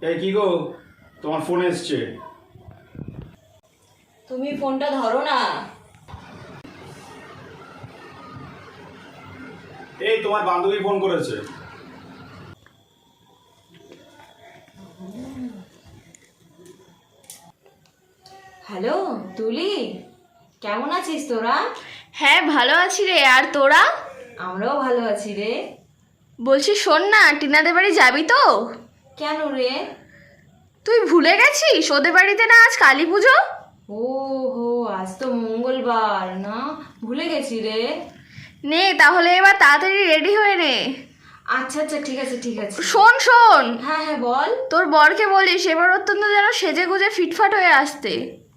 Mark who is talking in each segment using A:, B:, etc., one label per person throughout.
A: এই কি গো, তোমার ফোন এসছে।
B: তুমি ফোনটা ধরো না।
A: এই তোমার বান্ধবী ফোন করেছে।
B: হ্যালো তুলি, কেমন আছিস তোরা?
C: হ্যাঁ ভালো আছি রে। আর তোরা?
B: আমরাও ভালো আছি রে।
C: বলছি শোন না, টিনাদের বাড়ি যাবি তো?
B: কেন রে?
C: তুই ভুলে গেছিস ওদের বাড়িতে না আজ কালী পুজো?
B: ও হো, আজ তো মঙ্গলবার না, ভুলে গেছি রে।
C: নে তাহলে এবার তাড়াতাড়ি রেডি হয়ে নে।
B: আচ্ছা আচ্ছা, ঠিক আছে ঠিক আছে।
C: শোন শোন,
B: হ্যাঁ হ্যাঁ বল।
C: তোর বরকে বলিস এবার অত্যন্ত যেন সেজে গুজে ফিটফাট হয়ে আসতে।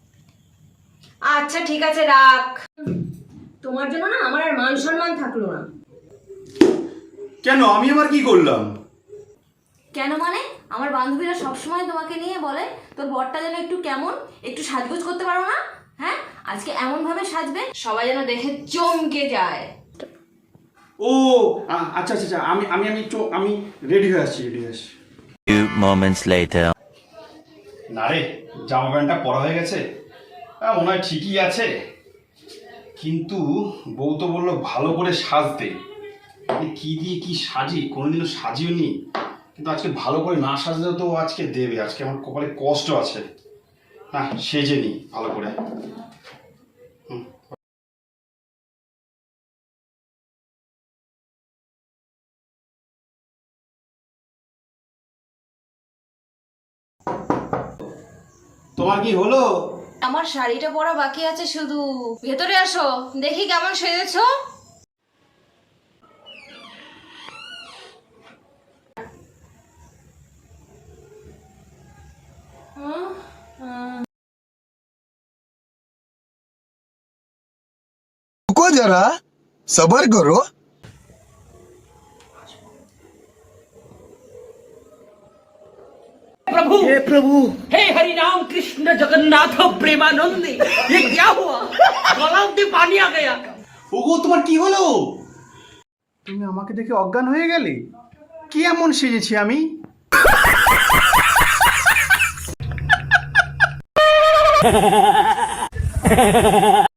B: আচ্ছা ঠিক আছে, রাখ। তোমার জন্য না আমার আর মান সম্মান থাকলো না।
A: কেন, আমি আবার কি করলাম?
B: কেন মানে? আমার বান্ধবীরা সবসময় তোমাকে নিয়ে বলে তোর বরটা যেন একটু কেমন, একটু সাজগোজ করতে পারো না। হ্যাঁ, আজকে এমন ভাবে সাজবে সবাই যেন দেখে চমকে যায়।
A: ও আচ্ছা আচ্ছা আচ্ছা, আমি আমি আমি আমি রেডি হয়ে আসছি, রেডি হয়ে আসছি।
D: Few moments later.
A: না রে, জামা প্যান্টটা পরা হয়ে গেছে, মনে হয় ঠিকই আছে। কিন্তু বউ তো বললো ভালো করে সাজতে। আমি কি দিয়ে কি সাজি, কোনোদিনও সাজিও নি। কিন্তু আজকে ভালো করে না সাজলেও তো আজকে দেবে। আজকে আমার কপালে কষ্ট আছে। না, সেজে নি ভালো করে। তোমার কি হলো?
B: আমার শাড়িটা পরা বাকি আছে শুধু। ভেতরে আসো, দেখি কেমন সেজেছো।
E: रुको जरा, सबर करो।
F: प्रभु हे प्रभु, हे हरि राम कृष्ण जगन्नाथ प्रेमानंद, ये क्या हुआ? गला में पानी आ गया।
A: ওগো, তোমার কি হলো? তুমি আমাকে দেখে অজ্ঞান হয়ে গেলে? কি এমন সেজেছি আমি?